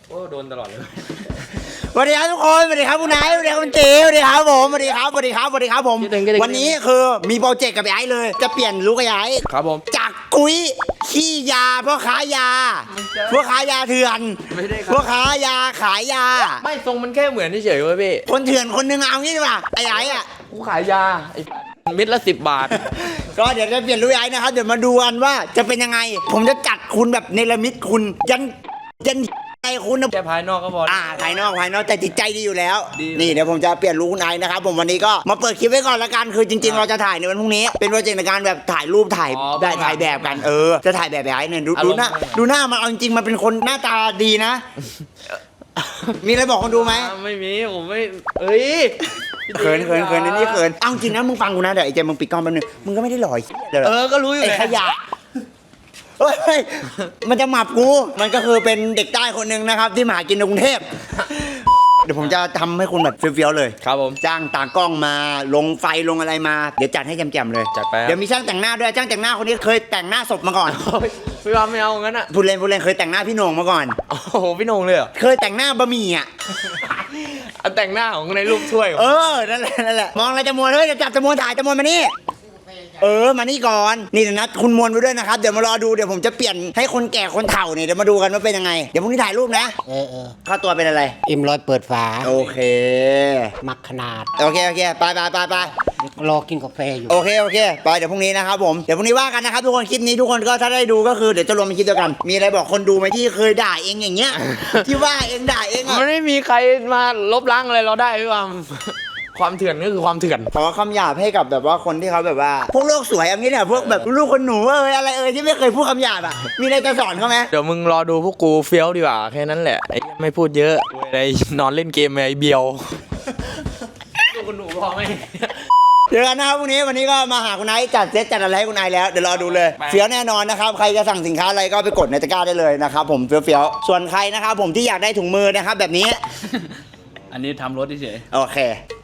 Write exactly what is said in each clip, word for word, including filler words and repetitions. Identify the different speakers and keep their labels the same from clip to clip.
Speaker 1: โอ้โดนตลอดเลย
Speaker 2: สวัสดีครับทุกคนสวัสดีครับคุณนายสวัสดีครับคุณเจสวัสดีครับผมสวัสดีครับสวัสดีครับสวัสดีครับผมวันนี้คือมีโปรเจกต์กับไอ้เลยจะเปลี่ยนลูกไอ้
Speaker 1: ครับผม
Speaker 2: จากกุ้ยขี้ยาพ่อค้ายาพวกค้ายาเถื่อนพวกค้ายาขายยา
Speaker 1: ไม่ทรงมันแค่เหมือนเฉยๆเว้ยพี่
Speaker 2: คนเถื่อนคนนึงเอางี้ดีกว่าไอ้ไอ้อะ
Speaker 1: กูขายยาไอ้มิตรละสิบบาท
Speaker 2: ก็เดี๋ยวจะเปลี่ยนลูกไอ้นะครับเดี๋ยวมาดูกันว่าจะเป็นยังไงผมจะจัดคุณแบบเนรมิตคุณยันยันใจคุณนะ
Speaker 1: แค่ภายนอกก็พอ
Speaker 2: อ่าภายนอกภายนอกแต่จิตใจดีอยู่แล้วนี่เดี๋ยวผมจะเปลี่ยนลูกคุณไอ้นะครับผมวันนี้ก็มาเปิดคลิปไว้ก่อนละกันคือจริงๆเราจะถ่ายในวันพรุ่งนี้เป็นโปรเจกต์ในการแบบถ่ายรูปถ่ายได้ถ่ายแบบกันเออจะถ่ายแบบไอ้เนี่ยดูดูหน้าดูหน้ามันเอาจริงๆมันเป็นคนหน้าตาดีนะมีอะไรบอกคนดูไหม
Speaker 1: ไม่มีผมไม่เอ้ย
Speaker 2: เขินเขินเขินนี่เขินเอาจริงนะมึงฟังกูนะเดี๋ยวไอ้เจมึงปิดกล้องแป๊บนึงมึงก็ไม่ได้หล่อ
Speaker 1: เออก็รู้อยู่
Speaker 2: ไอ้ขยะเฮ้ยมันจะหมับกูมันก็คือเป็นเด็กใต้คนหนึ่งนะครับที่มาหากินในกรุงเทพเดี๋ยวผมจะทำให้คุณแบบเฟี้ยวๆเลย
Speaker 1: ครับผม
Speaker 2: จ้างตากล้องมาลงไฟลงอะไรมาเดี๋ยวจัดให้แจ่มๆเลย
Speaker 1: จัดไป
Speaker 2: เดี๋ยวมีช่างแต่งหน้าด้วยช่างแต่งหน้าคนนี้เคยแต่งหน้าศพมาก่อน
Speaker 1: พี่ว่าไม่เอางั้นอ่ะ
Speaker 2: พูดเล่นพูดเล่นเคยแต่งหน้าพี่โหน่งมาก่อน
Speaker 1: โอ้โหพี่โหน่งเลยเหรอ
Speaker 2: เคยแต่งหน้าบะหมี่อ่ะ
Speaker 1: แต่งหน้าของในรูปถ้วย
Speaker 2: เออนั่นแหละนั่นแหละมองอะไรจะมวนเฮ้ยจะจับจะมวนถ่ายจะมวนมานี่เออมานี่ก่อนนี่นะคุณมวนไปด้วยนะครับเดี๋ยวมารอดูเดี๋ยวผมจะเปลี่ยนให้คนแก่คนเฒ่าเนี่ยเดี๋ยวมาดูกันว่าเป็นยังไงเดี๋ยวพรุ่งนี้ถ่ายรูปนะ
Speaker 3: เออเออ
Speaker 2: ค่าตัวเป็นอะไร
Speaker 3: เอ็มร้อยเปิดฝา
Speaker 2: โอเค
Speaker 3: มักขนาด
Speaker 2: โอเคโอเคไปไปไปไป
Speaker 3: รอกินกาแฟอยู่
Speaker 2: โอเคโอเคไปเดี๋ยวพรุ่งนี้นะครับผมเดี๋ยวพรุ่งนี้ว่ากันนะครับทุกคนคลิปนี้ทุกคนก็ถ้าได้ดูก็คือเดี๋ยวจะรวมเป็นคลิปเดียวกันมีอะไรบอกคนดูไหมที่เคยด่าเองอย่างเงี้ยที่ว่าเองด่าเองอ่ะ
Speaker 1: มันไม่มีใครมาลบล้างอะไรเราได้พี่วามความเถื่อนก็คือความเถื่อน
Speaker 2: ขอคำหยาบให้กับแบบว่าคนที่เขาแบบว่าพวกโลกสวยอย่างนี้เนี่ยพวกแบบลูกคนหนูเอ้ยอะไรเอ้ยที่ไม่เคยพูดคำหยาบอ่ะมีอะไรจะสอนเขาไหม
Speaker 1: เดี๋ยวมึงรอดูพวกกูเฟี้ยวดีกว่าแค่นั้นแหละไอ้ไม่พูดเยอะไอ้นอนเล่นเกมไอ้เบียวลูกคนหนูพอไหม
Speaker 2: เดี๋ยวกันนะครับพรุ่งนี้วันนี้ก็มาหาคุณนายจัดเซตจัดอะไรให้คุณนายแล้วเดี๋ยวรอดูเลยเฟี้ยวแน่นอนนะครับใครจะสั่งสินค้าอะไรก็ไปกดในตะกร้าได้เลยนะครับผมเฟี้ยวๆส่วนใครนะครับผมที่อยากได้ถุงมือนะครับแบบนี้
Speaker 1: อันนี้ทำรถเฉย
Speaker 2: โอเค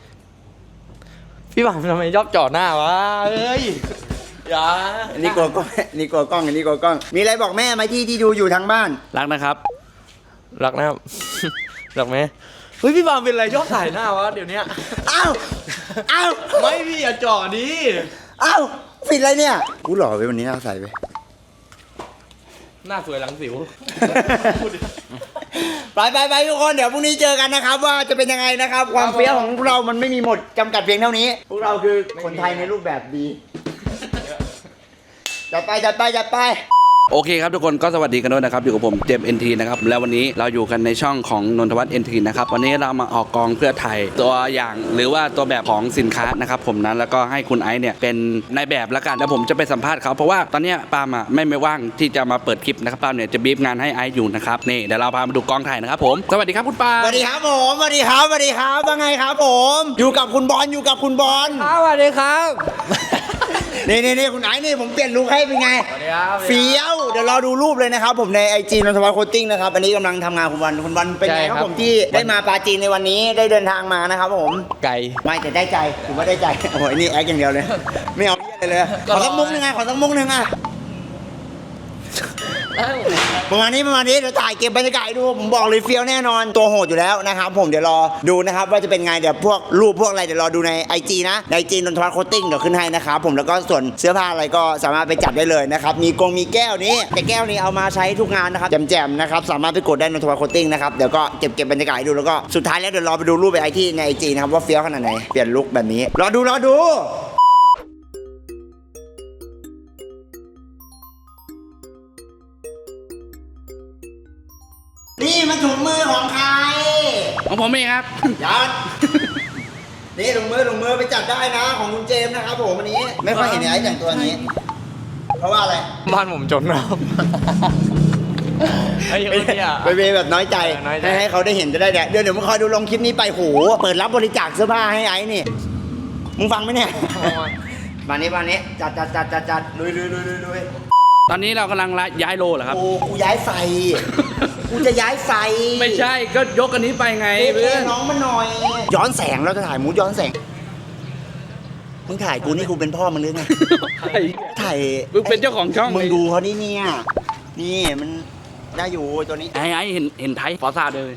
Speaker 1: พี่หวังทำไมชอบจ่อหน้าวะเอ้ยอย่า
Speaker 2: นี่กลัวกล้องนี่กลัวกล้องนี่กลัวกล้องมีอะไรบอกแม่ไหมที่ที่ดูอยู่ทางบ้าน
Speaker 1: รักนะครับรักนะครับรักไหมเฮ้ยพี่บางเป็นอะไรชอบถ่ายหน้าวะเดี๋ยวนี้
Speaker 2: อ้าวอ้าว
Speaker 1: ไม่พี่อย่าจ่อดิ
Speaker 2: อ้าวปิดอะไรเนี่ยกูหล่อไปวันนี้เอาใส่ไป
Speaker 1: หน้าสวยหลังสิว
Speaker 2: ไปไปไปทุกคนเดี๋ยวพรุ่งนี้เจอกันนะครับว่าจะเป็นยังไงนะครับความเฟี้ยวของพวกเรามันไม่มีหมดจำกัดเพียงเท่านี้พวกเราคือคนไทยในรูปแบบดีจัดไปจัดไปจัดไป
Speaker 4: โอเคครับทุกคนก็สวัสดีกันด้วยนะครับอยู่กับผมเจมส์ เอ็น ที นะครับแล้ววันนี้เราอยู่กันในช่องของนนทวัฒน์ เอ็น ที นะครับวันนี้เรามาออกกองเพื่อไทยตัวอย่างหรือว่าตัวแบบของสินค้านะครับผมนั้นแล้วก็ให้คุณไอซ์เนี่ยเป็นนายแบบแล้วกันแล้วผมจะไปสัมภาษณ์เขาเพราะว่าตอนนี้ปาล์มอ่ะไม่ไม่ว่างที่จะมาเปิดคลิปนะครับปาล์มเนี่ยจะบีบงานให้ไอซ์อยู่นะครับนี่เดี๋ยวเราพามาดูกองถ่ายนะครับผมสวัสดีครับคุณปาล์ม
Speaker 2: สวัสดีครับผมสวัสดีครับสวัสดีครับว่าไงครับผมอยู่กับคุณบอลอยู่กับคุณบอล
Speaker 1: สวัสดีครับ
Speaker 2: นี่นี่นี่คุณไอซ์นี่ผมเปลี่ยนลุคให้เป็นไงเฟี้ยวเดี๋ยวรอดูรูปเลยนะครับผมในไอจีนนทวัฒน์โคตติ้งนะครับอันนี้กำลังทำงานคุณวันคุณวันเป็นไงครับผมที่ได้มาปาจีนในวันนี้ได้เดินทางมานะครับผม
Speaker 1: ไกล
Speaker 2: ไม่แต่ได้ใจถือว่าได้ใจโอ้โหนี่แอคอย่างเดียวเลยไม่เอาอะไรเลยขอสักมุกหนึ่งไงขอสักมุกหนึ่งอ่ะประมาณนี้ประมาณนี้เดี๋ยวถ่ายเก็บบรรยากาศดูผมบอกเลยเฟี้ยวแน่นอนตัวโหดอยู่แล้วนะครับผมเดี๋ยวรอดูนะครับว่าจะเป็นไงเดี๋ยวพวกรูปพวกอะไรเดี๋ยวรอดูใน ไอ จี นะใน ไอ จี นนทวัฒน์โคตติ้งเดี๋ยวขึ้นให้นะครับผมแล้วก็ส่วนเสื้อผ้าอะไรก็สามารถไปจัดได้เลยนะครับมีกงมีแก้วนี้แต่แก้วนี้เอามาใช้ทุกงานนะครับแจ่มๆนะครับสามารถไปกดได้นนทวัฒน์โคตติ้งนะครับเดี๋ยวก็เก็บเก็บบรรยากาศดูแล้วก็สุดท้ายแล้วเดี๋ยวรอไปดูรูปไปไอที่ใน ไอ จี นะครับว่าเฟี้ยวขนาดไหนเปลี่ยนลุคแบบนี้รอดูรอดูนี่มันถุงมือของใคร
Speaker 4: ของผมเองครับ
Speaker 2: ยัดนี่ถุงมือถุงมือไปจัดได้นะของคุณเจมส์นะครับผมวันนี้ไม่ค่อยเห็นไอ้แต่งตัวนี้เพราะว่าอะไร
Speaker 1: บ้านผมจนครับไอ้ยังไม่เนี่ย
Speaker 2: ไปเวแบบน้อยใจให้ให้เขาได้เห็นจะได้แดดเดี๋ยวเดี๋ยวมึงคอยดูลงคลิปนี้ไปโหเปิดรับบริจาคเสื้อผ้าให้ไอ้นี่มึงฟังไหมเนี่ยมานี้มานี้จัดจัดจัดจัดจัดลุยลุยลุยลุยลุย
Speaker 4: ตอนนี้เรากำลังย้ายโลเหรอครับ
Speaker 2: โอ้กูย้ายไฟกูจะย้ายไฟ
Speaker 4: ไม่ใช่ก็ยกอันนี้ไปไง
Speaker 2: เพื่อนน้องมาหน่อยย้อนแสงเราจะถ่ายมูดย้อนแสงมึงถ่ายกูนี่กูเป็นพ่อมึงหรือไงถ่าย
Speaker 4: มึงเป็นเจ้าของช่อง
Speaker 2: มึงดูเขานี่เนี่ยนี่มันได้อยู่ตัวนี้
Speaker 4: ไอ้ไอ้เห็นเห็นไทยฟอร์ซ่าเลย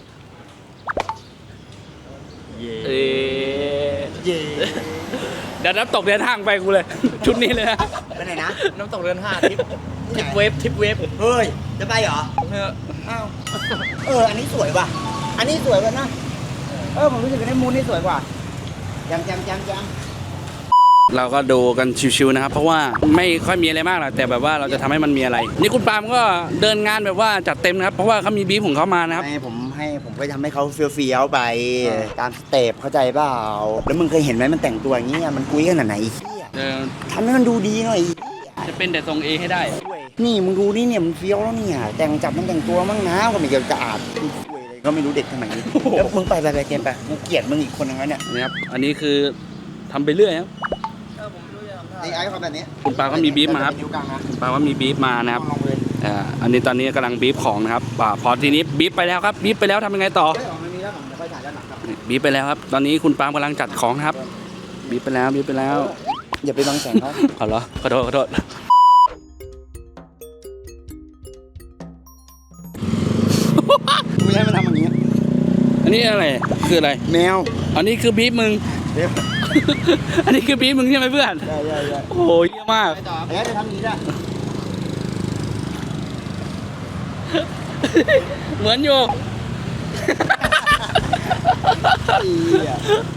Speaker 1: เย่
Speaker 4: เอ๊ะ
Speaker 2: เย่
Speaker 4: เดี๋ยวน้ำตกเดินทางไปกูเลย ชุดนี้เลยนะ
Speaker 2: ไปไหนนะ
Speaker 1: น้ำตกเรือนห้าทิปทิปเวฟทิปเวฟ
Speaker 2: เฮ้ยจะไปเหรอ
Speaker 1: เออ
Speaker 2: อ้าวเอออันนี้สวยว่ะอันนี้สวยกว่านะเออผมรู้สึกว่าในมูนนี่สวยกว่าจำจำจำจำ
Speaker 4: เราก็ดูกันชิวๆนะครับ เพราะว่าไม่ค่อยมีอะไรมากหรอกแต่แบบว่าเราจะทำให้มันมีอะไร นี่คุณปาล์มก็เดินงานแบบว่าจัดเต็มนะครับเพราะว่าเขามีบีฟของเขามานะครับ
Speaker 2: ให้ผมให้ผมก็ทำให้เขาเฟี้ยวๆไปตามสเต็ปเข้าใจเปล่าแล้วมึงเคยเห็นไหมมันแต่งตัวอย่างเงี้ยมันกุ้ยขนาดไหนไอ้เหี้ย
Speaker 4: เออ
Speaker 2: ทำให้มันดูดีหน่อย
Speaker 4: จะเป็นแต่ทรงเอให้ได้
Speaker 2: นี่มึงดูนี่เนี่ยมันเฟี้ยวแล้วเนี่ยแต่งจับมันแต่งตัวมั่งนะก็ไม่เกี่ยวกับอาดคุยอะไรก็ไม่รู้เด็กสมัยนี้แล้วมึงไปไปไปเกมไปกูเกลียดมึงอีกคนนึงแล้วเนี่ย
Speaker 4: นะครับ อันนี้คือทำไปเรื่อยครับ
Speaker 2: ไอ้ไอ้เขาแบบนี้
Speaker 4: คุณปาก็มีบีฟมาครับ
Speaker 2: นิ้วกลางนะ
Speaker 4: คุณปาก็มีบีฟมานะครับ
Speaker 2: ลองเลย
Speaker 4: อ่าอันนี้ตอนนี้กำลังบีฟของนะครับอ่าพอทีนี้บีฟไปแล้วครับบีฟไปแล้วทำยังไงต่อ
Speaker 2: เฮ้ยออกมามีแล้วผมจะค่อยถ่ายด้านหลังครับ
Speaker 4: บีบไปแล้วครับ ตอนนี้คุณปาล์มกำลังจัดของครับ บีบไปแล้วบีบไปแล้ว
Speaker 2: อย่าไปบังแสงเขา
Speaker 4: เอาเหรอ ขอโทษขอโทษ
Speaker 2: ไม่ให้มันทำอย่างนี้
Speaker 4: อันนี้อะไร คืออะไร
Speaker 2: แมว
Speaker 4: อันนี้คือบีบมึง
Speaker 2: เดี๋ยว
Speaker 4: อันนี้คือบีบมึงใช่ไหมเพื่อน
Speaker 2: ใช่ใช่ใช่
Speaker 4: โอ้โหเยี่ยมมาก
Speaker 2: ไอ้ไอ้จะทำอย่างนี้ได้
Speaker 4: เหมือนอยู่
Speaker 2: อีเหี้ย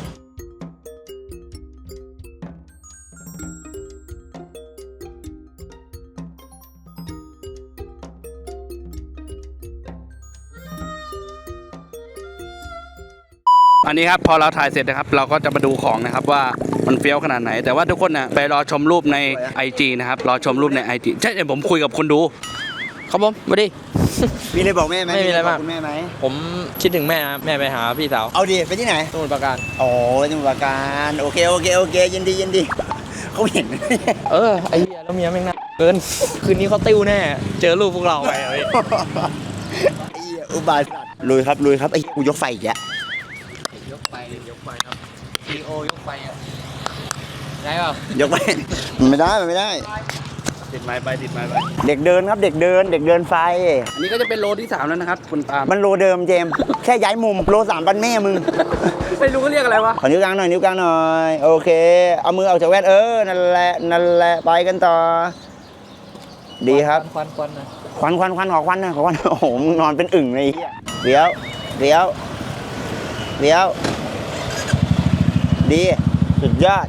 Speaker 4: อันนี้ครับพอเราถ่ายเสร็จนะครับ เราก็จะมาดูของนะครับว่ามันเฟี้ยวขนาดไหน แต่ว่าทุกคนนะไปรอชมรูปใน ไอ จี นะครับ รอชมรูปใน ไอ จี ใช่เดี๋ยวผมคุยกับคุณดู
Speaker 1: ครับผมมาดิ
Speaker 2: มีอะไรบอกแม่ไหม
Speaker 1: ไม่มีอะไรมาก
Speaker 2: บคุณแม่ไหม
Speaker 1: ผมคิดถึงแม่นะแม่ไปหาพี่สาว
Speaker 2: เอาดิไปที่ไหน
Speaker 1: สมุทรปราการ
Speaker 2: โอ้ยสมุทรปราการโอเคโอเคโอเคยินดียินดีเขาเห็น
Speaker 1: เออไอ้เหี้ยแล้วเมียแม่งน่าเกิน คืนนี้เขาติ้วแน่ เจอรูปพวกเราไปเฮ้ย
Speaker 2: ไอ้เหี้ยอุบาทลุยครับลุยครับไอ้กูยกไฟอีกแล้ว
Speaker 1: ยกไปยกไปครับซีโอยกไปอ่ะได้เปล่าย
Speaker 2: กไฟมันไม่ได้มันไม่ได้
Speaker 4: ติดไม้ไปติดไม้ไป
Speaker 2: เด็กเดินครับเด็กเดิน เด็กเดินไฟ
Speaker 4: อันนี้ก็จะเป็นโลที่สามแล้วนะครับคุณปาล์ม
Speaker 2: มันโลเดิมเจมส์แค่ย้ายมุมโลสามปันแม่มึง
Speaker 4: ไม่รู้เขาเรียกอะไรวะ
Speaker 2: ขอนิ้วกลางหน่อยนิ้วกลางหน่อยโอเค เอามือออกจากแว่นเออนั่นแหละนั่นแหละไปกันต่อ ดีครับ
Speaker 1: ควันควันนะ
Speaker 2: ควันควันควันขอควันนะขอควันโอ้โหมึงนอนเป็นอึ่งเลยไอ้เหี้ยเดี๋ยวเดี๋ยวเดี๋ยวดีสุดยอด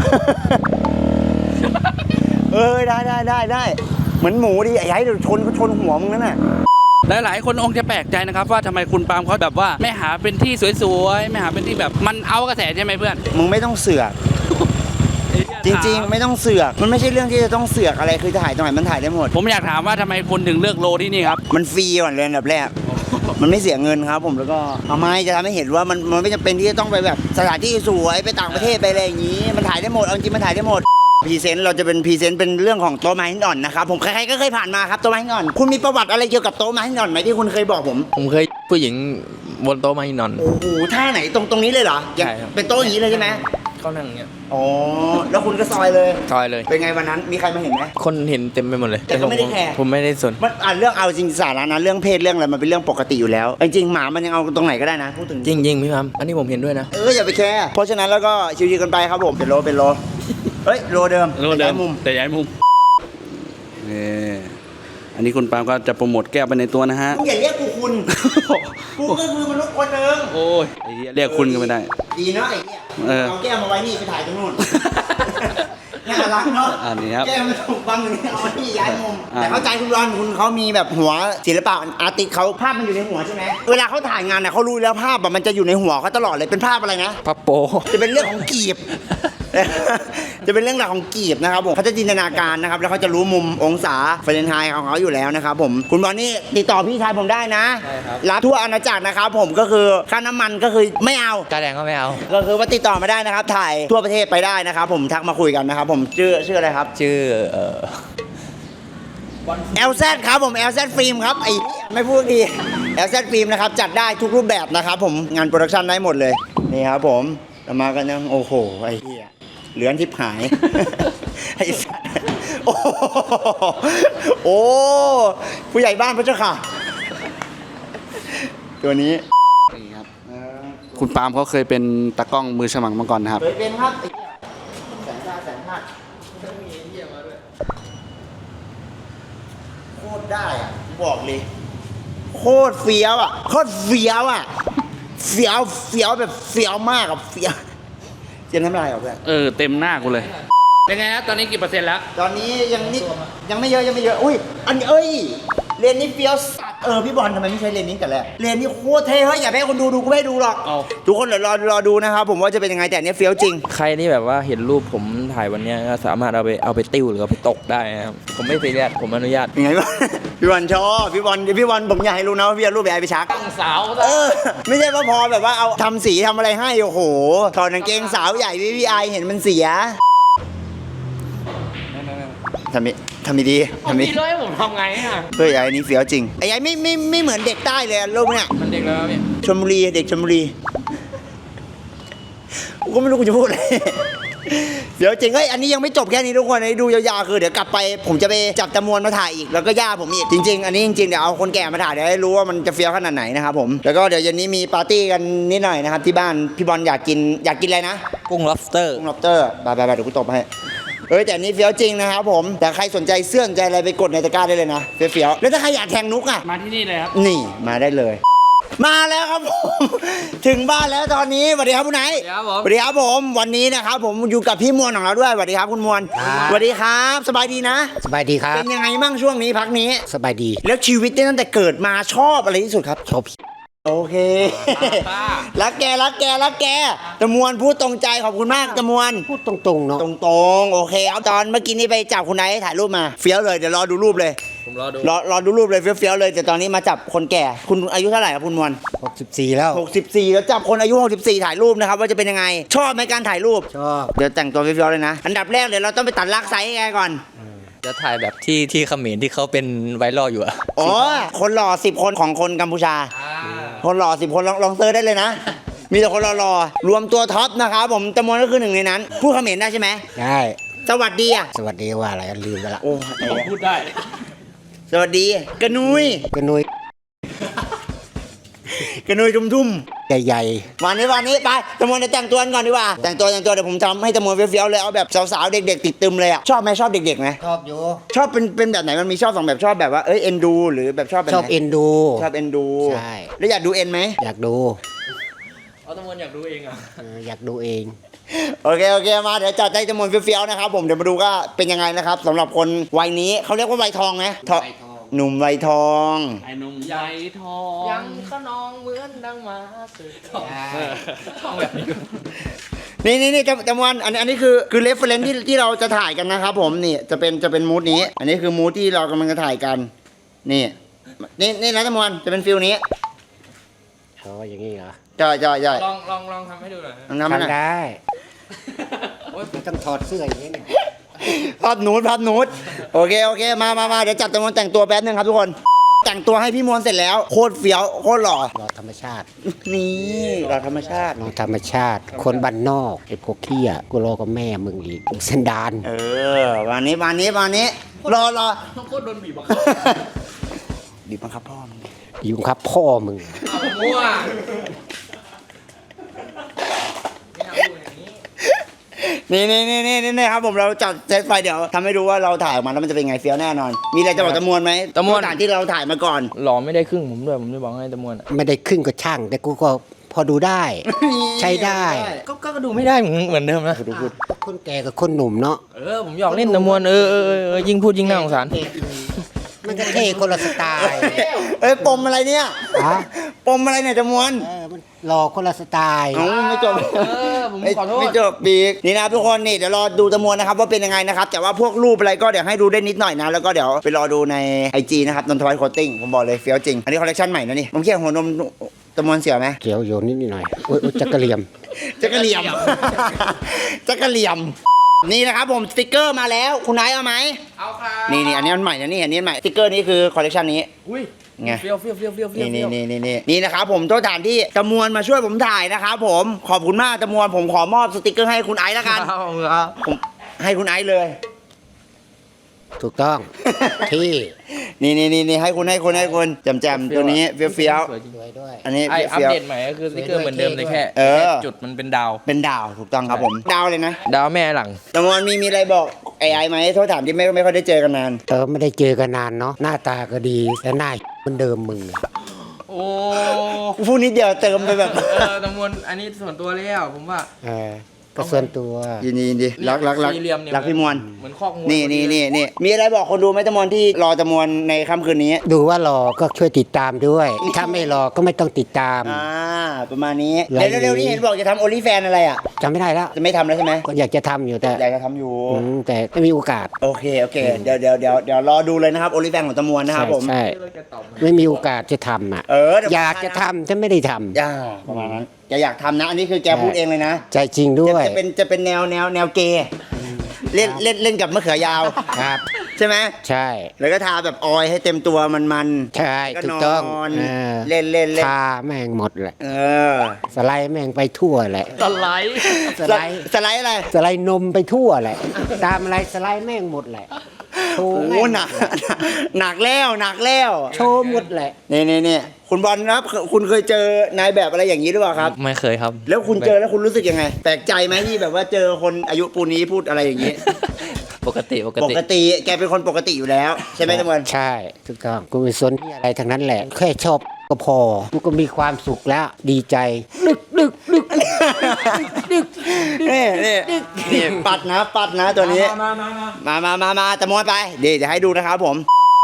Speaker 2: เออได้ได้ได้ได้เหมือนหมูดิไอ้ไอ้เดี๋ยวชนก็ชนหัวมึงนั่นน่ะ
Speaker 4: หลายๆคนคงจะแปลกใจนะครับว่าทำไมคุณปาล์มเขาแบบว่าไม่หาเป็นที่สวยๆไม่หาเป็นที่แบบมันเอากระแสใช่ไหมเพื่อน
Speaker 2: มึงไม่ต้องเสือก จริงๆ ไม่ต้องเสือก มันไม่ใช่เรื่องที่จะต้องเสือกอะไร คือถ่ายตรงไหนมันถ่ายได้หมด
Speaker 4: ผมอยากถามว่าทำไมคุณถึงเลือกโลที่นี่ครับ
Speaker 2: มันฟรีก่อนเลยอันดับแรก มันไม่เสียเงินครับผม แล้วก็เอาไม้จะทำให้เห็นว่ามันมันไม่จำเป็นที่จะต้องไปแบบสถานที่สวยไปต่างประเทศไปอะไรอย่างนี้ มันถ่ายได้หมด เอาจริงมันถ่ายได้หมด พรีเซนต์เราจะเป็นพรีเซนต์เป็นเรื่องของโต๊ะไม้หินอ่อนนะครับ ผมใครๆก็เคยผ่านมาครับโต๊ะไม้หินอ่อน คุณมีประวัติอะไรเกี่ยวกับโต๊ะไม้หินอ่อนไหมที่คุณเคยบอกผม
Speaker 1: ผมเคยผู้หญิงบนโต๊ะมาหินนอน
Speaker 2: โอ้โหท่าไหนตรงตรงนี้เลยเหรอ
Speaker 1: ใช่ครับ
Speaker 2: เป็นโต๊ะอย่างนี้เลยใช่ไหม
Speaker 1: เขานั่งอย่างเงี้ย
Speaker 2: อ๋อ แล้วคุณก็ซอยเลย
Speaker 1: ซอยเลย
Speaker 2: เป็นไงวันนั้น มีใครมาเห็นไหม
Speaker 1: คนเห็นเต็มไปหมดเลย
Speaker 2: แต่ก็ไม่ได้แคร์
Speaker 1: ผมไม่ได้สน
Speaker 2: มันอ่านเรื่องเอาจริงสาระนะเรื่องเพศเรื่องอะไรมันเป็นเรื่องปกติอยู่แล้วจริงๆหมามันยังเอาตรงไหนก็ได้นะพูดถึง
Speaker 1: จริงจริงๆพี่พัมอันนี้ผมเห็นด้วยนะ
Speaker 2: เอออย่าไปแคร์เพราะฉะนั้นแล้วก็ชิวๆกันไปครับผมเป็นโลเป็นโลเฮ้ยโลเดิม
Speaker 4: โลเดิ
Speaker 2: ย้าม ยมุม
Speaker 4: แต่ย้ายมุมนี่อันนี้คุณปาล์มก็จะโปรโมทแก้วไปในตัวนะฮะ
Speaker 2: มึงอย่าเรียกกูคุณกูก็คือมนุษย์คนหนึ่ง
Speaker 4: โอ้ยไอ้เหี้ยเรียกคุณก็ไม่ได้
Speaker 2: ดีเนาะไอ้เนี่ย
Speaker 4: เออ
Speaker 2: เอาแก้วมาไว้นี่ไปถ่ายตรงนู้นน่ารักเนาะ
Speaker 4: อันนี้ครับ
Speaker 2: แก้วมันถูกบังอยู่นี่เอาไว้นี่ย้ายมุม
Speaker 4: อ่า
Speaker 2: แต่เข้าใจคุณรอนคุณเขามีแบบหัวศิลปะอาร์ติสเขาภาพมันอยู่ในหัวใช่ไหมเวลาเขาถ่ายงานเนี่ยเขารู้แล้วภาพอะมันจะอยู่ในหัวเขาตลอดเลยเป็นภาพอะไรนะ
Speaker 1: พับโป
Speaker 2: จะเป็นเรื่องของกีบ จะเป็นเรื่องราวของกีบนะครับผมเขาจะจินตนาการนะครับแล้วเขาจะรู้มุมองศาเฟรนไฮต์ของเขาอยู่แล้วนะครับผมคุณบอลนี่ติดต่อพี่ชายผมได้นะ
Speaker 1: ใช่ครับ
Speaker 2: รับทั่วอาณาจักรนะครับผมก็คือค่าน้ำมันก็คือไม่เอา
Speaker 1: กาแดงก็ไม่เอา
Speaker 2: ก็คือว่าติดต่อมาได้นะครับ ถ่ายทั่วประเทศไปได้นะครับผมทักมาคุยกันนะครับผมชื่อชื่ออะไรครับ
Speaker 1: ชื่อเอ่อ
Speaker 2: แอลแซดครับผม แอล แซด ฟิล์มครับไอ้เหี้ยไม่พูดดี แอล แซด ฟิล์มนะครับจัดได้ทุกรูปแบบนะครับผมงานโปรดักชันได้หมดเลยนี่ครับผมเรามากันยังโอ้โหไอ้เหี้ยเหลือนทิพหาย ไอ้สัสโอ้โหโอ้ผู้ใหญ่บ้านพระเจ้าค่ะตัวนี้
Speaker 4: นี่ครับคุณปาล์มเขาเคยเป็นตากล้องมือฉมังมาก่อนนะครับ
Speaker 2: เคยเป็นครับไอ้เหี้ยแสนชาติแสนชาติโคตรได้อ่ะบอกเลย โคตรเฟี้ยวอ่ะโคตรเฟี้ยวอ่ะเฟี้ยวเฟี้ยวแบบเฟี้ยวมากอ่ะเฟี้ยวเจมน้ำลายออกเลย
Speaker 4: เออเต็มหน้ากูเลยเป็นไงครับตอนนี้กี่เปอร์เซ็นต์แล้ว
Speaker 2: ตอนนี้ยังนิดยังไม่เยอะยังไม่เยอะอุ้ยอันนี้เอ้ยเรียนนี้เฟี้ยวสัตว์เออพี่บอลทำไมไม่ใช้เรียนนี้กันแหละเรียนนี้โคตรเท่เฮ้ยอย่าให้คนดูดูกูไม่ดูหรอกทุกคนเดี๋ยวรอรอดูนะครับผมว่าจะเป็นยังไงแต่อันนี้เฟี้ยวจริง
Speaker 1: ใครที่แบบว่าเห็นรูปผมถ่ายวันเนี้ยก็สามารถเอาไปเอาไปติ้วหรือเอาไปตกได้นะครับผมไม่ซีเรียสผมอนุญาต
Speaker 2: ยังไงบ้าง พี่บอลชอบพี่บอลพี่บอลผมอยากให้รู้นะว่าพี่เอารูปไปไอไปชัก
Speaker 1: ตั้งสาว
Speaker 2: เออไม่ใช่ว่าพอแบบว่าเอาทำสีทำอะไรให้โอ้โหถอดกางเกงสาวใหญ่พี่พี่ไอเห็นมันเสียทำมิทำมิดีทำมิ
Speaker 1: พี่ร้อยผมทำไงอ่ะ
Speaker 2: เฮ้ยไอ้นี่เฟี้ยวจริงไอ้ไอ้ไม่ไม่ไม่เหมือนเด็กใต้เลยอะรูปเนี้ย
Speaker 1: มันเด็กแล้วพี่
Speaker 2: ชลบุรีเด็กชลบุรีกูก็ไม่รู้กูจะพูดอะไร เดี๋ยวจริงเฮ้ยอันนี้ยังไม่จบแค่นี้ทุกคนอันนี้ดูยาวๆคือเดี๋ยวกลับไปผมจะไปจับจำนวนมาถ่ายอีกแล้วก็ย่าผมอีกจริง ๆ อันนี้จริงๆเดี๋ยวเอาคนแก่มาถ่ายเดี๋ยวให้รู้ว่ามันจะเฟี้ยวขนาดไหนนะครับผมแล้วก็เดี๋ยวเย็นนี้มีปาร์ตี้กันนิดหน่อยนะครับที่บ้านพี่บอลอยากกินอยากกินอะไรนะ
Speaker 1: กุ้ง lobster
Speaker 2: กุ้งล็อบสเตอร์ไปไปไปเดี๋ยวกูตบให้เอ้ยแต่อันนี้เฟี้ยวจริงนะครับผมแต่ใครสนใจเสื้อสนใจอะไรไปกดในตะกร้าได้เลยนะเฟี้ยวๆแล้วถ้าใครอยากแทงนุกอ่ะ
Speaker 4: มาที่นี่เลยครับ
Speaker 2: นี่มาได้เลย มาแล้วครับผม ถึงบ้านแล้วตอนนี้สวัสดีครับคุณไหน
Speaker 1: สวัสดีครับผม
Speaker 2: สวัสดีครับผมวันนี้นะครับผมอยู่กับพี่มวลของเราด้วยสวัสดีครับคุณมวลสวัสดีครับสบายดีนะ
Speaker 3: สบายดีครับ
Speaker 2: เป็นยังไงบ้างช่วงนี้พักนี้
Speaker 3: สบายดี
Speaker 2: แล้วชีวิตเนี่ยตั้งแต่เกิดมาชอบอะไรที่สุดครับ
Speaker 3: ชอบ
Speaker 2: โอเค รักแกรักแกรักแกตะมวลพูดตรงใจขอบคุณมากตะมวล
Speaker 3: พูดตรงๆเนาะ
Speaker 2: ตรงๆโอเคเอาตอนเมื่อกี้นี้ไปจับคุณไนท์ถ่ายรูปมาเฟี้ยวเลยเดี๋ยวรอดูรูปเลย
Speaker 1: ผมรอดู
Speaker 2: รอรอดูรูปเลยเฟี้ยวๆเลยแต่ตอนนี้มาจับคนแก่คุณอายุเท่าไหร่ครับคุณมวล
Speaker 3: หกสิบสี่แล้ว
Speaker 2: หกสิบสี่แล้วจับคนอายุหกสิบสี่ถ่ายรูปนะครับว่าจะเป็นยังไง ชอบไหมการถ่ายรูป
Speaker 3: ชอบ
Speaker 2: เดี๋ยวแต่งตัวเฟี้ยวๆเลยนะอันดับแรกเดี๋ยวเราต้องไปตัดลากไซส์ไงก่อน
Speaker 1: จะถ่ายแบบที่ที่เขมรที่เขาเป็นไวรัลอยู่อะ
Speaker 2: อ๋อคนหล่อสิบคนของคนกัมพูชา คนหล่อสิบคนลองลองเซิร์ชได้เลยนะ มีแต่คนหล่อๆรวมตัวท็อปนะครับผมจำนวนก็คือหนึ่งในนั้นพูดเขมรได้ใช่ไหม
Speaker 3: ได้
Speaker 2: สวัสดีอ่ะ
Speaker 3: สวัสดีว่าอะไรลืมไปละ
Speaker 2: โอ้ไอ้
Speaker 1: พูดได้
Speaker 2: สวัสดีกระนุย
Speaker 3: กระนุย
Speaker 2: กระนุยทุ่ม
Speaker 3: ใหญ่
Speaker 2: ๆวันนี้วันนี้ไปจำนวนเดี๋ยวแต่งตัวกันก่อนดีกว่าแต่งตัวแต่งตัวเดี๋ยวผมทำให้จำนวนเฟี้ยวๆเลยเอาแบบสาวๆเด็กๆติดตึมเลยอ่ะชอบไหมชอบเด็กๆไหม
Speaker 3: ๆชอบอยู่
Speaker 2: ชอบเป็นเป็นแบบไหนมันมีชอบสองแบบชอบแบบว่าเอ้ยเอ็นดูหรือแบบชอบแบบ
Speaker 3: ช
Speaker 2: ไห
Speaker 3: อบเอ็นดู
Speaker 2: ชอบเอ็นดู
Speaker 3: ใช่
Speaker 2: แล้วอยากดูเอ็นไหม
Speaker 3: อยากดู
Speaker 1: เอาตะมวนอยากดูเองอ่ะ
Speaker 3: เอออยากดูเอง
Speaker 2: โอเคโอเคมาเดี๋ยวจัดให้จำนวนเฟี้ยวๆนะครับผมเดี๋ยวมาดูก็เป็นยังไงนะครับสำหรับคนวัยนี้เขาเรียกว่าวัยทองไหมทองหนุ่มวัยทอง
Speaker 4: ไอ้หนุ่มใหญ่ทอง
Speaker 1: ยังขนองเหมือนดังมาสืบทองทองแบบนี้
Speaker 2: นี่นี่นี่จำจำวันอันนี้อันนี้คือคือเรฟเฟรนซ์ที่ที่เราจะถ่ายกันนะครับผมนี่จะเป็นจะเป็นมูดนี้ อันนี้คือมูดที่เรากำลังจะถ่ายกัน นี่นี่นี่นะจำวันจะเป็นฟิลนี้
Speaker 3: เขาว่าอย่างนี้เหรอ
Speaker 2: จ่อยจ่อยจ่อย
Speaker 1: ลองลองลองทำให้ดูหน่อย
Speaker 2: ลองทำให้หน่อย
Speaker 3: ทำได้ไม่ต้องถอดเสื้ออย่างนี้เนี่ย
Speaker 2: ภาพนูดภาพนูดโอเคโอเคมามามาเดี๋ยวจัดจำนวนแต่งตัวแป๊บนึงครับทุกคน แต่งตัวให้พี่มวลเสร็จแล้วโคตรเฟี้ยวโคตรหล่อ
Speaker 3: รอธรรมชาติ
Speaker 2: นี่หล่อธรรมชาติ
Speaker 3: รอธรรมชาติ คนบ้านนอกไอ้พวกเขี้ยกูรอกับแม่มึงอีกเส้นดาน
Speaker 2: เออวันนี้วันนี้วันนี้รอรอ
Speaker 1: ต้องโคตรโดนบีบอ่ะ
Speaker 2: บีบบังคับพ่อมึง
Speaker 3: อยู่ครับพ่อมึง
Speaker 1: มั่ว
Speaker 2: นี่นี่นี่นี่นี่ครับผมเราจัดเซตไฟเดี๋ยวทำให้ดูว่าเราถ่ายออกมาแล้วมันจะเป็นไงเฟี้ยวแน่นอน มีอะไรจะบอกตะมวลไหมตะมวลสถานที่เราถ่ายมาก่อน
Speaker 1: หล่อไม่ได้ครึ่งผมด้วยผมจะบอกให้ตะมวนอะ
Speaker 3: ไม่ได้ครึ่งก็ช่าง แต่กูก็พอดูได้ ใช้ได้
Speaker 1: ก็ก็ก็ดูไม่ได้เหมือนเหมือนเดิมนะ
Speaker 3: คนแก่กับคนหนุ่มเนาะ
Speaker 1: เออผมหยอกเล่นตะมวนเออเออเออเออยิ่งพูดยิ่งน่าสงสาร
Speaker 3: มันก็เท่คนละสไตล์
Speaker 2: เอ้ยปมอะไรเนี่ย
Speaker 3: ฮะ
Speaker 2: ปมอะไรเนี่ยตะมวล
Speaker 3: เออมันรอคนละสไตล์
Speaker 2: เอ้าไม่จบ
Speaker 1: เออผม
Speaker 2: ไม่
Speaker 1: ขอโทษ
Speaker 2: ไม่จบปีกนี่นะครับทุกคนนี่เดี๋ยวรอดูตะมวลนะครับว่าเป็นยังไงนะครับแต่ว่าพวกรูปอะไรก็เดี๋ยวให้ดูได้นิดหน่อยนะแล้วก็เดี๋ยวไปรอดูใน ไอ จี นะครับนนทวัฒน์โคตติ้งผมบอกเลยเฟี้ยวจริงอันนี้คอลเลคชันใหม่นะนี่ผมเขียนหัวนมตะมวลเสียไหม
Speaker 3: เกี่ยวโยนนิดหน่อยโอ้ยโอ้ยจักระเหลี่ยม
Speaker 2: จักรเหลี่ยม จักรเหลี่ยม นี่นะครับผมสติกเกอร์มาแล้วคุณนายเอาไหม
Speaker 1: เอาครับ
Speaker 2: นี่นี่อันนี้มันใหม่นะนี่อันนี้มันใหม่สติกเกอร์นี้คือคอลเลคชันนี้
Speaker 1: อุ้ย
Speaker 2: ไง
Speaker 1: เฟี้ยวเฟี้ยวเฟี้ยวเฟี้ยวเฟี้ยว
Speaker 2: นี่นี่นี่นี่นี่นี่นะครับผมโทษฐานที่ตะมวลมาช่วยผมถ่ายนะครับผมขอบคุณมากตะมวลผมขอมอบสติกเกอร์ให้คุณไอซ์แล้วกัน
Speaker 1: เอาครับ
Speaker 2: ผมให้คุณไอซ์เลย
Speaker 3: ถูกต้อง ที่
Speaker 2: นี่นี่นี่นี่ให้คุณให้คุณให้คุณแจมๆตัวนี้เฟี้ยวเฟี้ยว
Speaker 1: สวยจริง
Speaker 3: สวยด้วย
Speaker 2: อันนี้
Speaker 1: ไออัป
Speaker 2: เฟี้ยว
Speaker 1: เดตใหม่ก็คือสติ๊กเกอร์เหมือนเดิมเลยแค่
Speaker 2: เออ
Speaker 1: แค่จุดมันเป็นดาว
Speaker 2: เป็นดาวถูกต้องครับผมดาวเลยนะ
Speaker 1: ดาวแม่หลัง
Speaker 2: ตะมอนมีมีอะไรบอกไอ้ไอ้ไหมโทษถามที่ไม่ไม่ค่อยได้เจอกันนาน
Speaker 3: เออไม่ได้เจอกันนานเนาะหน้าตาก็ดีแต่หน้าเหมือนเดิมมึงอะ
Speaker 1: โอ้
Speaker 2: พูดนิดเดียวเติมไปแบบ
Speaker 1: เออตะมวนอันนี้ส่วนตัวแล้วผมว่า
Speaker 3: เออก็ส่วนตัว
Speaker 2: ยินดียินดีรักรักรัก
Speaker 1: สี่เหลี่ยมเนี่ย
Speaker 2: รักพี่มวล
Speaker 1: เหมือนคอกมวล
Speaker 2: นี่นี่นี่นี่มีอะไรบอกคนดูไหมตะมอนที่รอตะมวนในค่ำคืนนี้
Speaker 3: ดูว่ารอก็ช่วยติดตามด้วย ถ้าไม่รอก็ไม่ต้องติดตาม
Speaker 2: อ่าประมาณนี้
Speaker 3: ไลฟ์
Speaker 2: เร็วๆนี้เห็นบอกจะทำโอลิแฟนอะไรอ่ะ
Speaker 3: จำไม่ได้แล้ว
Speaker 2: จะไม่ทำแล้วใช่ไหม
Speaker 3: ก็อยากจะทำอยู่แต่
Speaker 2: อยากจะทำอยู่
Speaker 3: อืมแต่ไม่มีโอกาส
Speaker 2: โอเคโอเคเดี๋ยวเดี๋ยวเดี๋ยวเดี๋ยวรอดูเลยนะครับโอลิแฟนของตะมวนนะครับผม
Speaker 3: ใช่
Speaker 1: เราจะตอบ
Speaker 3: ไม่มีโอกาสจะทำอ่ะ
Speaker 2: เออเดี๋ว
Speaker 3: อยากจะทำแต่ไม่ได้ทำ
Speaker 2: ย่าประมาณนั้นแกอยากทำนะ อันนี้คือแกพูดเองเลยนะ
Speaker 3: ใจจริงด้วย
Speaker 2: จะเป็นจะเป็นแนวแนวแนวเกย์เล่นเล่นเล่นกับมะเขือยาว
Speaker 3: ครับ
Speaker 2: ใช่ไหม
Speaker 3: ใช่
Speaker 2: แล้วก็ทาแบบออยให้เต็มตัวมันมัน
Speaker 3: ใช่
Speaker 2: ก็
Speaker 3: ถู
Speaker 2: น
Speaker 3: กต้อง
Speaker 2: อน
Speaker 3: เออ
Speaker 2: เล่นเล่นเล่น
Speaker 3: ทาแม่งหมดแหละ
Speaker 2: เออ
Speaker 3: สไลด์แม่งไปทั่วแหละ
Speaker 1: สไลด์
Speaker 3: สไลด์
Speaker 2: สไลด์อะไร
Speaker 3: สไลด์นมไปทั่วแหละ ตามอะไรสไลด์แม่งหมดแหละโช
Speaker 2: โอ้
Speaker 3: ว์
Speaker 2: โห
Speaker 3: แม่ง
Speaker 2: หนักหนักแล้วหนักแล้ว
Speaker 3: โชว์หมดแหละ
Speaker 2: นี่นี่นี่คุณบอลครับคุณเคยเจอนายแบบอะไรอย่างนี้หรือเปล่าครับ
Speaker 1: ไม่เคยครับ
Speaker 2: แล้วคุณเจอแล้วคุณรู้สึกยังไง แปลกใจไหมที่แบบว่าเจอคนอายุปูนนี้พูดอะไรอย่างนี้
Speaker 1: ปกติปก
Speaker 2: ป
Speaker 1: ติ
Speaker 2: กติแกเป็นคนปกติอยู่แล้ว ใช่ไหมตะมวน
Speaker 3: ใช่ถูกต้องกูไม่สนที่อะไรทั้งนั้นแหละ แค่ชอบก็พอกูก็มีความสุขแล้วดีใจดึกดึกดึก
Speaker 2: นี่นี่นี่ปัดนะปัดนะตัวนี้
Speaker 1: มามามา
Speaker 2: มามามามาตะมวนไปเดี๋ยวจะให้ดูนะครับผม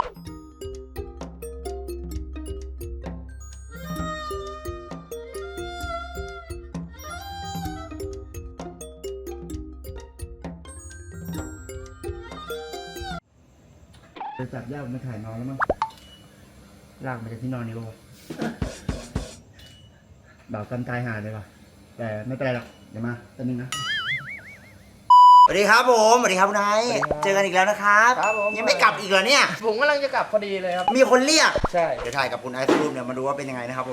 Speaker 2: จะจับย่ามาถ่ายนอนแล้วมั้งลากมาจากที่นอนนี่ป่ะบ่าวกำตายหาเลยป่ะแต่ไม่เป็นไรหรอกเดี๋ยวมาตัวนึงนะสวัสดีครับผมสวัสดีครับคุณนายเจอกันอีกแล้วนะครับ
Speaker 1: ครับผม
Speaker 2: ยังไม่กลับอีกเหรอเนี่ย
Speaker 1: ผมกำลังจะกลับพอดีเลยครับ
Speaker 2: มีคนเรียก
Speaker 1: ใช่
Speaker 2: เดี๋ยวถ่ายกับคุณไอซ์รูปเนี่ยมาดูว่าเป็นยังไงนะครับผม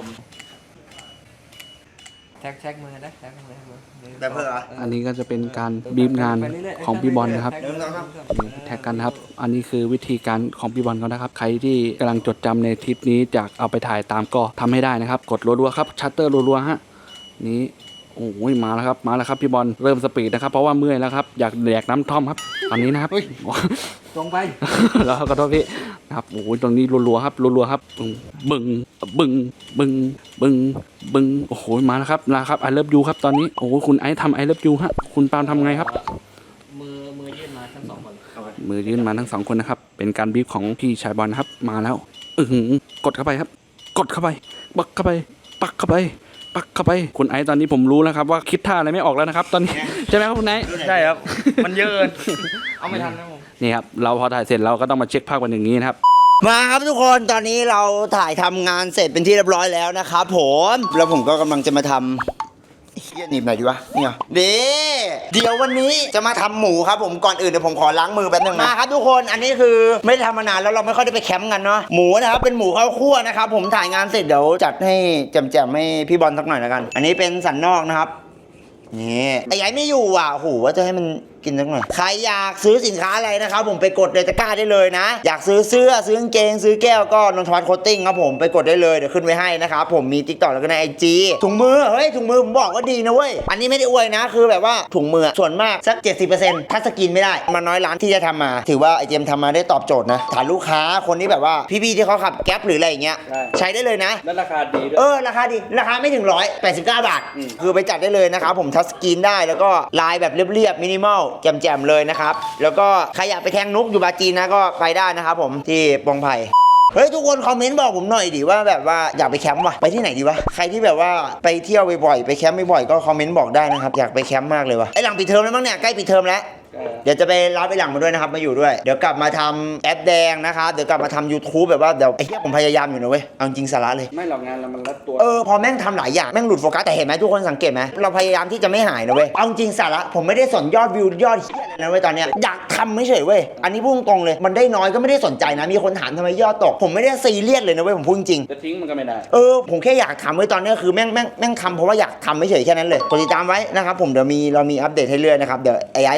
Speaker 1: แท็กแท็กมือนะแท็กมือมือ
Speaker 2: แบบเพื่อ
Speaker 4: อันนี้ก็จะเป็นการบีบงานของพี่บอลนะครับ
Speaker 2: เดินต่อครับ
Speaker 4: แท็กกันนะครับ อันนี้คือวิธีการของพี่บอลเขานะครับ ใครที่กำลังจดจำในทริปนี้จากเอาไปถ่ายตามก็ทำให้ได้นะครับ กดรัวๆครับ ชัตเตอร์รัวๆฮะ นี้โอ้ยมาแล้วครับ มาแล้วครับพี่บอล เริ่มสปีดนะครับ เพราะว่าเมื่อยแล้วครับ อยากแดกน้ำท่อมครับ ตอนนี้นะครับ
Speaker 1: ตรงไป
Speaker 4: แล้วก็โทษพี่นะครับโอ้ยตรงนี้รัวๆครับรัวๆครับบึงบึงบึงบึงบึงโอ้โหมาแล้วครับนะครับไอเลิฟยูครับตอนนี้โอ้โหคุณไอซ์ทำไอเลิฟยูฮะคุณปาล์มทำไงครับ
Speaker 1: มือมือยื่นมาทั้งสองคน
Speaker 4: มือยื่นมาทั้งสองคนนะครับ เป็นการบีบของพี่ชายบอลนะครับ มาแล้วอือหือกดเข้าไปครับ กดเข้าไปปักเข้าไป ปักเข้าไป ปักเข้าไปคุณไอซ์ตอนนี้ผมรู้แล้วครับว่าคิดท่าอะไรไม่ออกแล้วนะครับ ตอนนี้ใช่ไหมครับคุณไอซ์
Speaker 1: ใช่ครับ มันเยอะเกินเอาไม่ทันนะผม
Speaker 4: นี่ครับเราพอถ่ายเสร็จเราก็ต้องมาเช็คภาพกันอย่างนี้นะครับ
Speaker 2: มาครับทุกคนตอนนี้เราถ่ายทำงานเสร็จเป็นที่เรียบร้อยแล้วนะครับผมแล้วผมก็กำลังจะมาทำเฮียหนีบหน่อยดีวะนี่เหรอเด้เดี๋ยววันนี้จะมาทำหมูครับผมก่อนอื่นเดี๋ยวผมขอล้างมือแป๊บนึงนะมาครับทุกคนอันนี้คือไม่ได้ทำมานานแล้วเราไม่ค่อยได้ไปแคมป์กันเนาะหมูนะครับเป็นหมูข้าวคั่วนะครับผมถ่ายงานเสร็จเดี๋ยวจัดให้แจ่มๆให้พี่บอลสักหน่อยแล้วกัน อันนี้เป็นสันนอกนะครับนี่ไอ้ยัยไม่อยู่อ่ะโอ้โหว่าจะให้มันกินสักหน่อยใครอยากซื้อสินค้าอะไรนะครับผมไปกดในตะกร้าได้เลยนะอยากซื้อเสื้อซื้อกางเกงซื้อแก้วก็นนทวัฒน์โคตติ้งครับผมไปกดได้เลยเดี๋ยวขึ้นไว้ให้นะครับผมมี ติ๊กต็อก แล้วก็ใน ไอ จี ถุงมือเฮ้ยถุงมือผมบอกว่าดีนะเว้ยอันนี้ไม่ได้อวยนะคือแบบว่าถุงมือส่วนมากสัก เจ็ดสิบเปอร์เซ็นต์ ถ้าสกินไม่ได้มาน้อยร้านที่จะทำมาถือว่าไอเจมทำมาได้ตอบโจทย์นะฐานลูกค้าคนที่แบบว่าพี่ๆที่เขาขับแก๊ปหรืออะไรอย่างเงี้ย
Speaker 4: ใช่
Speaker 2: ใช้ได้เลยนะ
Speaker 4: และราคาดีด้วย
Speaker 2: เออราคาดีราคาไม่ถึงร้อยแปดสิบเก้าบาท คือไปจัดได้เลยนะครับผมทัชสกรีนได้แล้วก็ลายแบบเรียบๆมินิมอลแจ่มๆเลยนะครับแล้วก็ใครอยากไปแทงนุกอยู่บาจีนนะก็ไปได้นะครับผมที่ปงไผ่เฮ้ยทุกคนคอมเมนต์บอกผมหน่อยดิว่าแบบว่าอยากไปแคมป์วะไปที่ไหนดีวะใครที่แบบว่าไปเที่ยวบ่อยๆไปแคมป์บ่อยๆก็คอมเมนต์บอกได้นะครับอยากไปแคมป์มากเลยวะไอหลังปิดเทอมแล้วมั้งเนี่ยใกล้ปิดเทอมแล้วเดี๋ยวจะไปรับไอหลังมาด้วยนะครับมาอยู่ด้วยเดี๋ยวกลับมาทำแอปแดงนะครับเดี๋ยวกลับมาทำ YouTube แบบว่าเดี๋ยวไอ้เหี้ยผมพยายามอยู่นะเว้ยเอาจริงสาระเลย
Speaker 4: ไม่หรอกงานเรามันรัดตัว
Speaker 2: เออพอแม่งทำหลายอย่างแม่งหลุดโฟกัสแต่เห็นไหมทุกคนสังเกตไหมเราพยายามที่จะไม่หายนะเว้ยเอาจริงสาระผมไม่ได้สนยอดวิวยอดเฮียอะไรนะเว้ยตอนเนี้ยอยากทำไม่เฉยเว้ยอันนี้พูดตรงเลยมันได้น้อยก็ไม่ได้สนใจนะมีคนถามทำไมยอดตกผมไม่ได้ซีเรียสเลยนะเว้ยผมพูดจริง
Speaker 4: จะทิ้งมันก็ไม่ได้
Speaker 2: เออผมแค่อยากทำไว้ตอนนี้คือแม่งแม่งแม่งทำเพราะว่าอยากทำไม่เฉยแค่นั้นเลยกดติดตามไว้นะครับผมเดี๋ยวมีเรามีอัปเดตให้เรื่อยนะครับเดี๋ยวไอ้ไอ้ก็น่าจะกลับ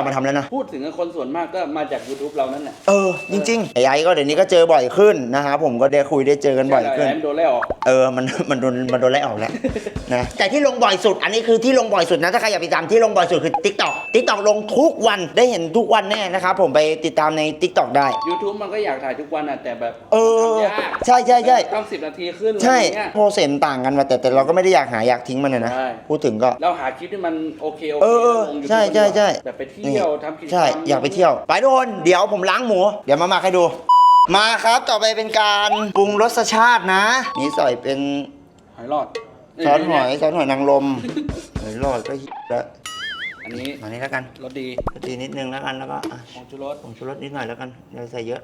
Speaker 2: ลับมาทำแล้วนะ
Speaker 4: พูดถึงคนส่วนมากก็มาจาก YouTube เรานั่นแหละ
Speaker 2: เออจริงๆไอ้ไอ้ก็เดี๋ยวนี้ก็เจอบ่อยขึ้นนะครับผมก็ได้คุยได้เจอกันบ่อยขึ้น
Speaker 4: แอมโดนไล่ออก
Speaker 2: เออมันมันโดนมันโดนไล่ออกแล้ว นะแต่ที่ลงบ่อยสุดอันนี้คือที่ลงบ่อยสุดนะถ้าใครอยากไปตามที่ลงบ่อยสุดคือ TikTok TikTok ลงทุกวันได้เห็นทุกวันแน่นะครับผมไปติดตามใน TikTok ได้
Speaker 4: YouTube มันก็อยากถ่ายทุกวันอ่ะแต่แบบ
Speaker 2: เออ
Speaker 4: ทำยาก
Speaker 2: ใช่ใช่ใช่
Speaker 4: ต้องสิบนาทีขึ้น
Speaker 2: ใช่
Speaker 4: อะไรเงี้ย
Speaker 2: โปรเซสต่างกันมาแต่แต่เราก็ไม่ได้อยากหาอยากทิ้งมันนะนะ
Speaker 4: ใช่
Speaker 2: พูดถึงก็
Speaker 4: เราหาคลิปที่มันโอเคโอ
Speaker 2: เอ
Speaker 4: เค
Speaker 2: อเออ
Speaker 4: ลง YouTube
Speaker 2: ใช่ใช่ใช่
Speaker 4: แบบไปเที่ยวทำกิจกรรม
Speaker 2: ใช่อยากไปเที่ยวไปทุกคนเดี๋ยวผมล้างหมูเดี๋ยวมามาให้ดู มาครับต่อไปเป็นการปรุงรสชาตินะ นี่ใส่เป็น
Speaker 4: หอยหลอด
Speaker 2: ซอสหอยซอสหอยนางรมหอยหลอดก็ฮิตแล้ว
Speaker 4: อันนี้
Speaker 2: มานี่แล้วกัน
Speaker 4: รสดี
Speaker 2: ตีนิดนึงแล้วกันแล้วก็อ่ะ
Speaker 4: ของชูรส
Speaker 2: ผงชูรสนิดหน่อยแล้วกันอย่าใส่เยอะ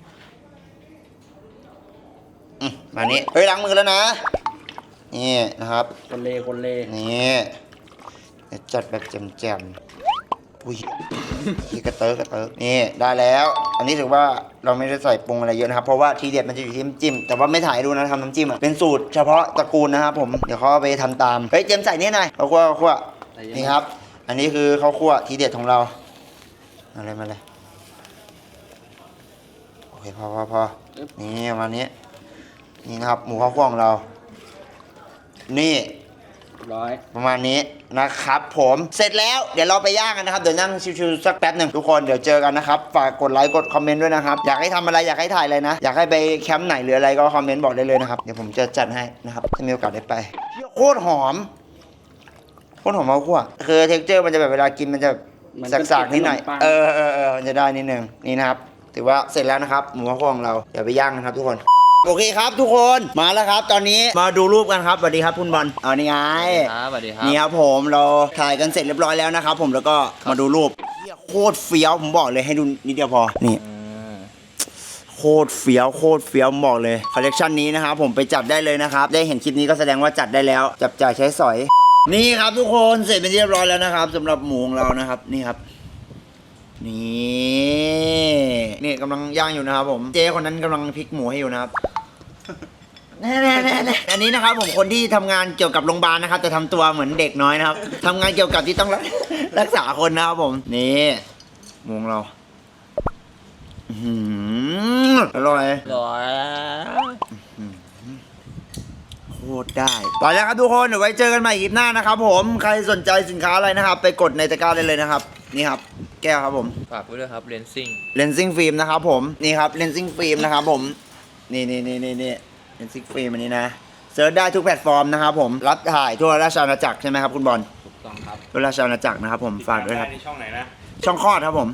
Speaker 2: อืมมานี้เฮ้ยล้างมือแล้วนะนี่นะครับ
Speaker 4: คนเลคนเล
Speaker 2: นี่เดี๋ยวจัดแบบแจ่มๆอุ้ยที่กระเติร์กกระเติร์กนี่ได้แล้ว อันนี้ถือว่าเราไม่ได้ใส่ปรุงอะไรเยอะนะครับเพราะว่าทีเด็ดมันจะอยู่ที่น้ำจิ้มแต่ว่าไม่ถ่ายดูนะทำน้ำจิ้มอะเป็นสูตรเฉพาะตระกูลนะครับผมเดี๋ยวเขาเอาไปทำตามเฮ้ยเจมส์ใส่นี่หน่อยข้าวคั่วข้าวคั่วนี่ครับ อันนี้คือข้าวคั่วทีเด็ดของเรามาเลยมาเลยโอเคพอพอพอนี่ประมาณนี้นี่นะครับหมูข้าวคั่วของเรานี่
Speaker 4: ร้อย
Speaker 2: ประมาณนี้นะครับผมเสร็จแล้วเดี๋ยวเราไปย่างกันนะครับเดี๋ยวนั่งชิวๆสักแป๊บหนึ่งทุกคนเดี๋ยวเจอกันนะครับฝากกดไลค์กดคอมเมนต์ด้วยนะครับอยากให้ทำอะไรอยากให้ถ่ายอะไรนะอยากให้ไปแคมป์ไหนหรืออะไรก็คอมเมนต์บอกได้เลยนะครับเดี๋ยวผมจะจัดให้นะครับถ้ามีโอกาสได้ไปโคตรหอมโคตรหอมมากคั่วคือเท็กเจอร์มันจะแบบเวลากินมันจะสากๆนิดหน่อยเออเออเออมันจะได้นิดนึงนี่นะครับถือว่าเสร็จแล้วนะครับหมูข้าวคั่วของเราเดี๋ยวไปย่างนะครับทุกคนโอเคครับทุกคนมาแล้วครับตอนนี้มาดูรูปกันครับสวัสดีครับคุณบอลเอานี่ไง
Speaker 1: ครับสวัสดีครับ
Speaker 2: นี่ครับผมเราถ่ายกันเสร็จเรียบร้อยแล้วนะครับผมแล้วก็มาดูรูปเหี้ยโคตรเฟี้ยวผมบอกเลยให้ดูนิดเดียวพอนี่โคตรเฟี้ยวโคตรเฟี้ยวผมบอกเลยคอลเลกชันนี้นะครับผมไปจัดได้เลยนะครับได้เห็นคลิปนี้ก็แสดงว่าจัดได้แล้วจับจ่ายใช้สอย นี่ครับทุกคนเสร็จเป็นที่เรียบร้อยแล้วนะครับสำหรับหมูของเรานะครับนี่ครับนี่นี่กำลังย่างอยู่นะครับผมเจ๊คนนั้นกำลังพลิกหมูให้อยู่นะครับ แน่ๆๆอันนี้นะครับผมคนที่ทำงานเกี่ยวกับโรงพยาบาลนะครับแต่ทำตัวเหมือนเด็กน้อยนะครับทำงานเกี่ยวกับที่ต้องรักรักษาคนนะครับผมนี่หมูของเราอื้อหืออร่อย
Speaker 1: ร้อย
Speaker 2: โคตรได้ไปแล้วครับทุกคนเดี๋ยวไว้เจอกันใหม่คลิปหน้านะครับผมใครสนใจสินค้าอะไรนะครับ ไปกดในตะกร้าได้เลยนะครับนี่ครับแก้วครับผม
Speaker 1: ฝากไว้ด้วยครับเลนซิ่ง
Speaker 2: เลนซิ่งฟิล์มนะครับผมนี่ครับเลนซิ่งฟิล์มนะครับผมนี่นี่นี่นี่นี่เลนซิ่งฟิล์มอันนี้นะเซิร์ชได้ทุกแพลตฟอร์มนะครับผมรับถ่ายทั่วราชอาณาจักรใช่ไหมครับคุณบอล
Speaker 4: ถูกต้องครับ
Speaker 2: ทั่วราชอาณาจักรนะครับผมฝากด้วยครับ
Speaker 5: ในช่องไหนนะ
Speaker 2: ช่องคลอดครับผม